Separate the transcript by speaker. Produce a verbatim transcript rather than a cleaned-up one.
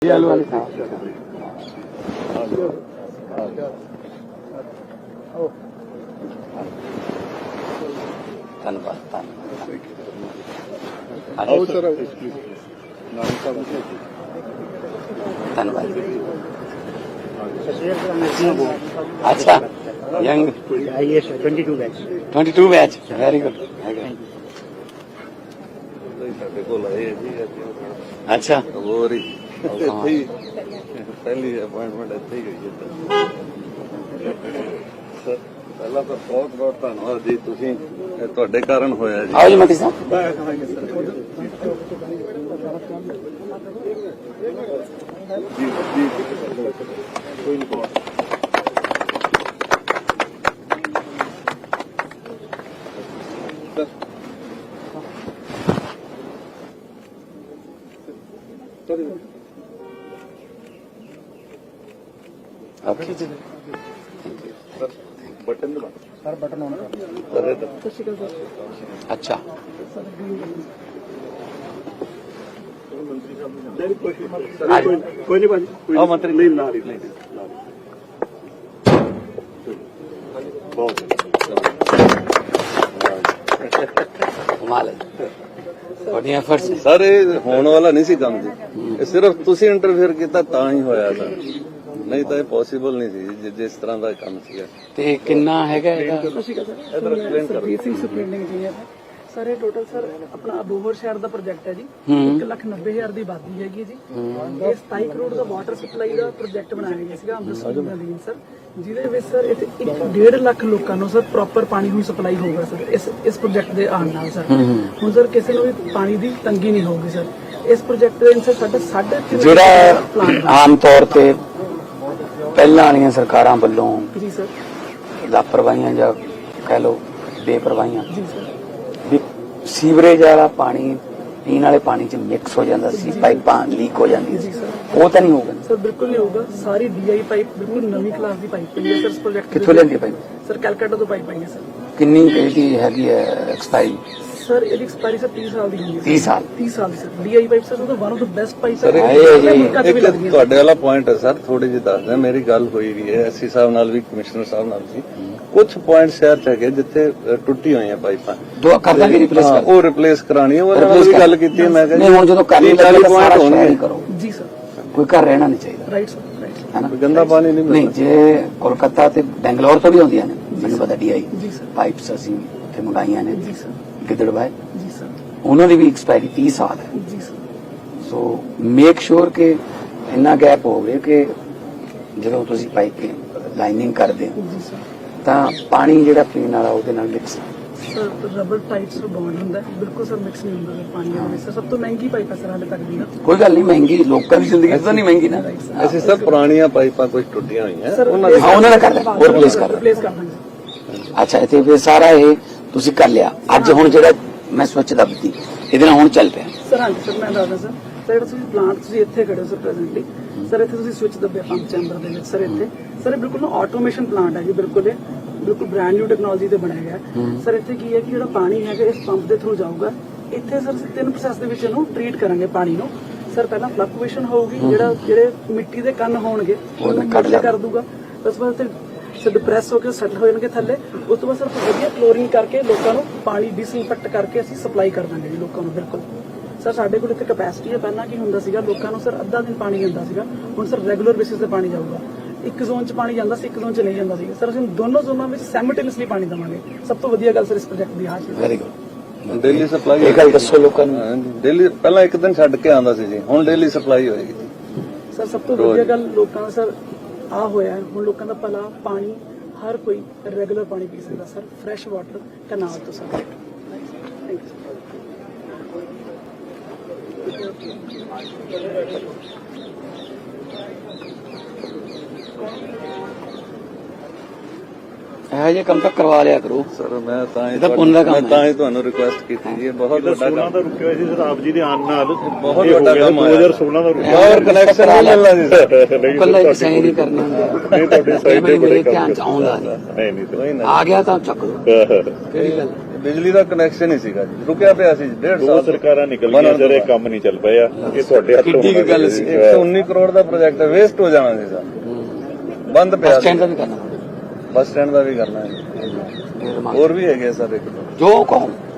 Speaker 1: ਧੰਨਵਾਦ ਧੰਨਵਾਦ अच्छा young
Speaker 2: yes sir twenty-two batch
Speaker 1: twenty-two batch very good अच्छा
Speaker 3: ਹੋਰ ਹੀ ਪਹਿਲੀ ਅਪਾਇੰਟਮੈਂਟ ਇੱਥੇ ਹੀ ਗਈ ਹੈ ਸਰ ਪਹਿਲਾਂ ਤਾਂ ਬਹੁਤ ਬਹੁਤ ਧੰਨਵਾਦ ਜੀ ਤੁਸੀਂ ਇਹ ਤੁਹਾਡੇ ਕਾਰਨ ਹੋਇਆ ਜੀ
Speaker 1: आओ जी मंत्री साहब
Speaker 3: ਜੀ ਜੀ ਕੋਈ ਨਹੀਂ
Speaker 1: आप खींच
Speaker 3: बटन दबा
Speaker 2: sir button on
Speaker 1: अच्छा
Speaker 2: कोई नहीं भाजी
Speaker 3: हाँ मंत्री नहीं ना रही
Speaker 1: कमाल है बड़ी एफर्ट्स है
Speaker 3: सर ਇਹ ਹੋਣ ਵਾਲਾ ਨਹੀਂ ਸੀ ਕੰਮ ਜੀ ਇਹ ਸਿਰਫ ਤੁਸੀਂ ਇੰਟਰਫੇਅਰ ਕੀਤਾ ਤਾਂ ਹੀ ਹੋਇਆ ਸਰ ਨਹੀਂ ਤਾਂ ਇਹ ਪੋਸੀਬਲ ਨਹੀਂ ਸੀ ਜਿਸ ਤਰ੍ਹਾਂ ਦਾ ਕੰਮ ਸੀਗਾ
Speaker 1: ਤੇ ਕਿੰਨਾ ਹੈਗਾ ਇਹਦਾ
Speaker 3: ਇਧਰ ਐਕਸਪਲੇਨ ਕਰੋ
Speaker 2: ਬੇਸਿਕ ਸੁਪਰਿੰਟੈਂਡੈਂਟ ਇੰਜੀਨੀਅਰ ਸਰ ਇਹ ਟੋਟਲ ਸਰ ਆਪਣਾ ਅਬੋਹਰ ਸ਼ਹਿਰ ਦਾ ਪ੍ਰੋਜੈਕਟ ਹੈ ਜੀ ਇੱਕ ਲੱਖ ਨੱਬੇ ਹਜ਼ਾਰ ਦੀ ਆਬਾਦੀ ਹੈਗੀ ਜੀ ਇਹ ਸਤਾਈ ਕਰੋੜ ਦਾ ਵਾਟਰ ਸਪਲਾਈ ਦਾ ਪ੍ਰੋਜੈਕਟ ਬਣਾਇਆ ਗਿਆ ਸੀਗਾ ਅੰਮ੍ਰਿਤਸਰ ਦੇ ਸਰ ਜਿਹਦੇ ਵਿੱਚ ਸਰ ਇੱਥੇ ਇੱਕ ਡੇਢ ਲੱਖ ਲੋਕਾਂ ਨੂੰ ਸਰ ਪ੍ਰੋਪਰ ਪਾਣੀ ਹੁਣ ਸਪਲਾਈ ਹੋਊਗਾ ਸਰ ਇਸ ਇਸ ਪ੍ਰੋਜੈਕਟ ਦੇ ਆਉਣ ਨਾਲ ਸਰ ਹੁਣ ਸਰ ਕਿਸੇ ਨੂੰ ਵੀ ਪਾਣੀ ਦੀ ਤੰਗੀ ਨਹੀਂ ਹੋਊਗੀ ਸਰ ਇਸ ਪ੍ਰੋਜੈਕਟ ਦੇ ਅੰਦਰ ਸਾਡਾ ਸਾਢੇ ਤਿੰਨ
Speaker 1: ਜਿਹੜਾ ਆਮ ਤੌਰ ਤੇ ਪਹਿਲਾਂ ਵਾਲੀਆਂ ਸਰਕਾਰਾਂ ਵੱਲੋਂ
Speaker 2: ਜੀ ਸਰ
Speaker 1: ਲਾਪਰਵਾਹੀਆਂ ਜਾਂ ਕਹਿ ਲਓ ਬੇਪਰਵਾਹੀਆਂ
Speaker 2: ਜੀ ਸਰ
Speaker 1: ਵੀ ਸੀਵਰੇਜ ਵਾਲਾ ਪਾਣੀ ਪੀਣ ਵਾਲੇ ਪਾਣੀ ਚ ਮਿਕਸ ਹੋ ਜਾਂਦਾ ਸੀ ਪਾਈਪਾਂ ਲੀਕ ਹੋ ਜਾਂਦੀਆਂ ਸੀ ਉਹ ਤਾਂ ਨਹੀਂ ਹੋਊਗਾ
Speaker 2: ਸਰ ਬਿਲਕੁਲ ਨਹੀਂ ਹੋਊਗਾ ਸਾਰੀ ਡੀਆਈ ਪਾਈਪ ਬਿਲਕੁਲ ਨਵੀਂ ਕਲਾਸ ਦੀ ਪਾਈਪ ਹੈ ਸਰ ਇਸ ਪ੍ਰੋਜੈਕਟ
Speaker 1: ਕਿੱਥੋਂ ਲੈਂਦੀ ਪਾਈਪ
Speaker 2: ਸਰ ਕੈਲਕਟਾ ਤੋਂ ਪਾਈਪ ਆਈ ਹੈ ਸਰ
Speaker 1: ਕਿੰਨੀ ਇਹਦੀ ਹੈਗੀ ਹੈ ਐਕਸਪਾਇਰੀ
Speaker 2: ਸਰ ਇਹਦੀ ਐਕਸਪਾਇਰੀ ਸਰ ਤੀਹ ਸਾਲ ਦੀ ਹੈ
Speaker 1: तीस साल
Speaker 2: ਤੀਹ ਸਾਲ ਦੀ ਸਰ ਡੀਆਈ ਪਾਈਪ ਸਰ ਉਹਦਾ one of the best pipe
Speaker 3: sir
Speaker 1: ਹੈ ਜੀ।
Speaker 3: ਇੱਕ ਤੁਹਾਡੇ ਵਾਲਾ ਪੁਆਇੰਟ ਹੈ ਸਰ ਥੋੜੀ ਜਿਹੀ ਦੱਸਦਾ ਮੇਰੀ ਗੱਲ ਹੋਈ ਵੀ ਹੈ ਐਸਸੀ ਸਾਹਿਬ ਨਾਲ ਵੀ ਕਮਿਸ਼ਨਰ ਸਾਹਿਬ ਨਾਲ ਵੀ ਕੁਝ ਪੁਆਇੰਟ ਸ਼ਹਿਰ ਚ ਹੈਗੇ ਜਿੱਥੇ ਅ, ਟੁੱਟੀ ਹੋਈਆਂ ਪਾਈਪਾਂ
Speaker 1: ਦੋ ਕਰ ਦਾਂਗੇ ਰਿਪਲੇਸ
Speaker 3: ਹਾਂ,
Speaker 1: ਕਰ
Speaker 3: ਉਹ ਰਿਪਲੇਸ ਕਰਾਣੀ ਹੈ ਉਹਦੇ ਨਾਲ ਵੀ ਗੱਲ ਕੀਤੀ ਹੈ ਮੈਂ
Speaker 1: ਨਹੀਂ ਹੁਣ ਜਦੋਂ ਕਰਨੀ ਲੱਗੇ ਤਾਂ ਸਾਰਾ ਸ਼ਹਿਰ ਹੀ ਕਰੋ
Speaker 2: ਜੀ ਸਰ
Speaker 1: ਕੋਈ ਘਰ ਰਹਿਣਾ ਨਹੀਂ ਚਾਹੀਦਾ
Speaker 2: ਰਾਈਟ ਸਰ ਰਾਈਟ
Speaker 1: ਹੈ ਨਾ
Speaker 3: ਗੰਦਾ ਪਾਣੀ ਨਹੀਂ
Speaker 1: ਨਹੀਂ
Speaker 3: ਮਿਲਦਾ
Speaker 1: ਜੇ ਕੋਲਕਾਤਾ ਤੇ ਬੈਂਗਲੌਰ ਤੋਂ ਵੀ ਆਉਂਦੀਆਂ ਨੇ ਮੈਨੂੰ ਪਤਾ ਡੀਆਈ
Speaker 2: ਜੀ ਸਰ
Speaker 1: ਪਾਈਪਸ ਅਸੀਂ ਉੱਥੇ ਮੰਗਾਈਆਂ ਨੇ
Speaker 2: ਜੀ ਸਰ
Speaker 1: ਗਿੱਦੜਬਾਹ
Speaker 2: ਜੀ ਸਰ
Speaker 1: ਉਹਨਾਂ ਦੀ ਵੀ ਐਕਸਪਾਇਰੀ तीस ਸਾਲ ਹੈ
Speaker 2: ਜੀ ਸਰ
Speaker 1: ਸੋ ਮੇਕ ਸ਼ੋਰ ਕਿ ਇੰਨਾ ਗੈਪ ਹੋਵੇ ਕਿ ਜਦੋਂ ਤੁਸੀਂ ਪਾਈਪ ਲਾਈਨਿੰਗ ਕਰਦੇ ਹੋ
Speaker 2: ਜੀ ਸਰ
Speaker 1: ਤਾਂ ਪਾਣੀ ਜਿਹੜਾ ਪੀਣ ਵਾਲਾ ਉਹਦੇ ਨਾਲ mix
Speaker 2: sir rubber tight sir bond ਹੁੰਦਾ ਹੈ ਬਿਲਕੁਲ ਸਰ ਮਿਕਸ ਨਹੀਂ ਹੁੰਦਾ ਸਰ ਪਾਣੀ ਦੇ ਵਿੱਚ ਸਰ ਸਭ ਤੋਂ ਮਹਿੰਗੀ ਪਾਈਪ ਹੈ ਸਰ ਹਾਲੇ ਤੱਕ ਦੀ ਨਾ
Speaker 1: ਕੋਈ ਗੱਲ ਨਹੀਂ ਮਹਿੰਗੀ ਲੋਕਾਂ ਦੀ ਜ਼ਿੰਦਗੀ ਤਾਂ ਨਹੀਂ ਮਹਿੰਗੀ ਨਾ
Speaker 3: ਅਸੀਂ ਸਰ ਪੁਰਾਣੀਆਂ ਪਾਈਪਾਂ ਕੁਝ ਟੁੱਟੀਆਂ ਹੋਈਆਂ
Speaker 2: ਸਰ
Speaker 3: ਉਹਨਾਂ ਦੀ
Speaker 1: ਹਾਂ ਉਹਨਾਂ ਦਾ ਕਰ ਦਿੰਦੇ ਉਹ ਰਿਪਲੇਸ ਕਰ ਦਿੰਦੇ
Speaker 2: ਰਿਪਲੇਸ ਕਰ ਦਾਂਗੇ
Speaker 1: ਅੱਛਾ ਇੱਥੇ ਫਿਰ ਸਾਰਾ ਇਹ ਤੁਸੀਂ ਕਰ ਲਿਆ ਅੱਜ ਹੁਣ ਜਿਹੜਾ ਮੈਂ ਸਵੱਛ ਦੱਬਤੀ ਇਹਦੇ ਨਾਲ ਹੁਣ ਚੱਲ ਪਿਆ
Speaker 2: ਸਰ ਹਾਂਜੀ ਸਰ ਮੈਂ ਦੱਸਦਾ ਸਰ ਸਰ ਜਿਹੜਾ ਤੁਸੀਂ ਪਲਾਂਟ ਤੁਸੀਂ ਇੱਥੇ ਖੜੇ ਹੋ ਸਰ ਪ੍ਰੈਜ਼ੈਂਟਲੀ ਸਰ ਇੱਥੇ ਤੁਸੀਂ ਸਵਿਚ ਦੱਬਿਆ ਪੰਪ ਚੈਂਬਰ ਦੇ ਵਿੱਚ ਸਰ ਇੱਥੇ ਸਰ ਇਹ ਬਿਲਕੁਲ ਨਾ ਆਟੋਮੇਸ਼ਨ ਪਲਾਂਟ ਹੈ ਜੀ ਬਿਲਕੁਲ ਇਹ ਬਿਲਕੁਲ ਬ੍ਰਾਂਡ ਨਿਊ ਟੈਕਨੋਲੋਜੀ ਤੇ ਬਣਾਇਆ ਗਿਆ ਸਰ ਇੱਥੇ ਕੀ ਹੈ ਕਿ ਜਿਹੜਾ ਪਾਣੀ ਹੈਗਾ ਇਸ ਪੰਪ ਦੇ ਥਰੂ ਜਾਊਗਾ ਇੱਥੇ ਸਰ ਅਸੀਂ ਤਿੰਨ ਪ੍ਰੋਸੈਸ ਦੇ ਵਿੱਚ ਇਹਨੂੰ ਟ੍ਰੀਟ ਕਰਾਂਗੇ ਪਾਣੀ ਨੂੰ ਸਰ ਪਹਿਲਾਂ ਫਲਕਚੁਏਸ਼ਨ ਹੋਊਗੀ ਜਿਹੜਾ ਜਿਹੜੇ ਮਿੱਟੀ ਦੇ ਕੰਨ ਹੋਣਗੇ ਉਹਨੂੰ ਕੱਢ ਕਰ ਦੂਗਾ ਉਸ ਤੋਂ ਬਾਅਦ ਸਰ ਡਿਪਰੈਸ ਹੋ ਕੇ ਸੈਟਲ ਹੋ ਜਾਣਗੇ ਥੱਲੇ ਉਸ ਤੋਂ ਬਾਅਦ ਸਰ ਵਧੀਆ ਕਲੋਰਿੰਗ ਕਰਕੇ ਲੋਕਾਂ ਨੂੰ ਪਾਣੀ ਡਿਸਇਨਫੈਕਟ ਕਰਕੇ ਅਸੀਂ ਸਪਲਾਈ ਕਰ ਦਾਂਗੇ ਜੀ ਲੋਕਾਂ ਨੂੰ ਬਿਲਕੁਲ ਸਰ ਸਾਡੇ ਕੋਲ ਇੱਥੇ ਕੈਪੈਸਿਟੀ ਹੈ ਪਹਿਲਾਂ ਕੀ ਹੁੰਦਾ ਸੀਗਾ ਲੋਕਾਂ ਨੂੰ ਸਰ ਅੱਧਾ ਦਿਨ ਪਾਣੀ ਜਾਂਦਾ ਸੀਗਾ ਹੁਣ ਸਰ ਰੈਗੂਲਰ ਬੇਸਿਸ ਤੇ ਪਾਣੀ ਜਾਊਗਾ ਇੱਕ ਜ਼ੋਨ 'ਚ ਪਾਣੀ ਜਾਂਦਾ ਸੀ ਇੱਕ ਜ਼ੋਨ 'ਚ ਨਹੀਂ ਜਾਂਦਾ ਸੀਗਾ ਸਰ ਅਸੀਂ ਦੋਨੋਂ ਜ਼ੋਨਾਂ ਵਿੱਚ ਸੈਮਲਟੇਨੀਅਸਲੀ ਪਾਣੀ ਦੇਵਾਂਗੇ ਸਭ ਤੋਂ ਵਧੀਆ ਗੱਲ ਸਰ ਇਸ ਪ੍ਰੋਜੈਕਟ ਦੀ ਆਹ ਚੀਜ਼
Speaker 1: ਵੈਰੀ ਗੁੱਡ
Speaker 3: ਡੇਲੀ ਸਪਲਾਈ
Speaker 1: ਇਹ ਗੱਲ ਦੱਸੋ ਲੋਕਾਂ ਨੂੰ
Speaker 3: ਡੇਲੀ ਪਹਿਲਾਂ ਇੱਕ ਦਿਨ ਛੱਡ ਕੇ ਆਉਂਦਾ ਸੀ ਜੀ ਹੁਣ ਡੇਲੀ ਸਪਲਾਈ ਹੋਏਗੀ
Speaker 2: ਸਰ ਸਭ ਤੋਂ ਵਧੀਆ ਗੱਲ ਲੋਕਾਂ ਦਾ ਸਰ ਆ ਹੋਇਆ ਹੈ, ਹੁਣ ਲੋਕਾਂ ਦਾ ਭਲਾ ਪਾਣੀ ਹਰ ਕੋਈ ਰੈਗੂਲਰ ਪਾਣੀ ਪੀ ਸਕਦਾ ਸਰ ਫਰੈਸ਼ ਵਾਟਰ ਕਨਾਲ ਤੋਂ ਸਰ ਥੈਂਕ ਯੂ
Speaker 1: ਇਹੋ ਜਿਹੇ ਕੰਮ ਤਾਂ ਕਰਵਾ ਲਿਆ ਕਰੋ
Speaker 3: ਸਰ ਮੈਂ ਤਾਂ ਹੀ
Speaker 1: ਇਹ ਤਾਂ ਪੁੰਨ ਦਾ ਕੰਮ
Speaker 3: ਮੈਂ
Speaker 1: ਹੈ।
Speaker 3: ਤਾਂ ਹੀ ਤੁਹਾਨੂੰ ਰਿਕੁਐਸਟ ਕੀਤੀ ਜੀ ਇਹ ਬਹੁਤ ਵੱਡਾ
Speaker 4: ਸੋਲਾਂ
Speaker 3: ਕੰਮ
Speaker 4: ਦਾ ਰੁਕਿਆ ਹੋਇਆ ਸੀ ਸਰ ਆਪ ਜੀ ਦੇ ਆਉਣ ਨਾਲ
Speaker 3: ਬਹੁਤ ਵੱਡਾ ਕੰਮ
Speaker 4: ਦੋ
Speaker 3: ਆਇਆ
Speaker 4: ਹਜ਼ਾਰ ਸੋਲਾਂ ਦਾ ਰੁਕਿਆ
Speaker 3: ਔਰ ਕਨੈਕਸ਼ਨ ਨਹੀਂ ਮਿਲਣਾ ਜੀ ਸਰ
Speaker 4: ਨਹੀਂ
Speaker 1: ਕੱਲਾ
Speaker 4: ਸਰ,
Speaker 1: ਇੱਕ ਸਾਈਨ ਹੀ ਕਰਨੀ ਹੁੰਦੀ ਹੈ
Speaker 4: ਨਹੀਂ ਤੁਹਾਡੀ ਸਾਈਡ ਤੇ
Speaker 1: ਮੇਰੇ
Speaker 4: ਬੜੇ
Speaker 1: ਧਿਆਨ
Speaker 4: ਕੰਮ
Speaker 1: ਚ ਆਉਂਦਾ ਨਹੀਂ
Speaker 4: ਨਹੀਂ ਨਹੀਂ ਸਰ
Speaker 1: ਆ ਗਿਆ ਤਾਂ ਚੱਕ ਲਓ ਕਿਹੜੀ ਗੱਲ
Speaker 3: ਬਿਜਲੀ ਦਾ ਕਨੈਕਸ਼ਨ ਹੀ ਸੀਗਾ ਜੀ, ਰੁਕਿਆ ਪਿਆ ਸੀ ਡੇਢ
Speaker 4: ਦੋ
Speaker 3: ਸਾਲ
Speaker 4: ਸਰਕਾਰਾਂ ਨਿਕਲ
Speaker 3: ਬਣਨ
Speaker 4: ਗਈਆਂ
Speaker 3: ਤੋਂ
Speaker 4: ਸਰ, ਇਹ
Speaker 3: ਬਾਅਦ।
Speaker 4: ਕੰਮ ਨਹੀਂ ਚੱਲ ਪਿਆ। ਇਹ ਤੁਹਾਡੇ ਹੱਥੋਂ
Speaker 1: ਕਿੱਡੀ ਕੁ
Speaker 4: ਹੋਣਾ
Speaker 1: ਗੱਲ
Speaker 4: ਸੀ।
Speaker 1: ਸੀ।
Speaker 3: ਇੱਕ ਸੌ ਉੱਨੀ ਕਰੋੜ ਦਾ ਪ੍ਰੋਜੈਕਟ ਵੇਸਟ ਹੋ ਜਾਣਾ ਸੀ ਸਰ, ਬੰਦ ਪਿਆ
Speaker 1: ਬੱਸ
Speaker 3: ਸੀ।
Speaker 1: ਸਟੈਂਡ ਦਾ ਵੀ ਕਰਨਾ
Speaker 3: ਬੱਸ ਸਟੈਂਡ ਦਾ ਵੀ ਕਰਨਾ ਹੈ,
Speaker 1: ਫਿਰ ਮੰਗ-
Speaker 3: ਹੋਰ ਵੀ ਹੈਗੇ ਆ ਸਰ ਇੱਕ ਦੋ।
Speaker 1: ਜੋ ਕਹੋ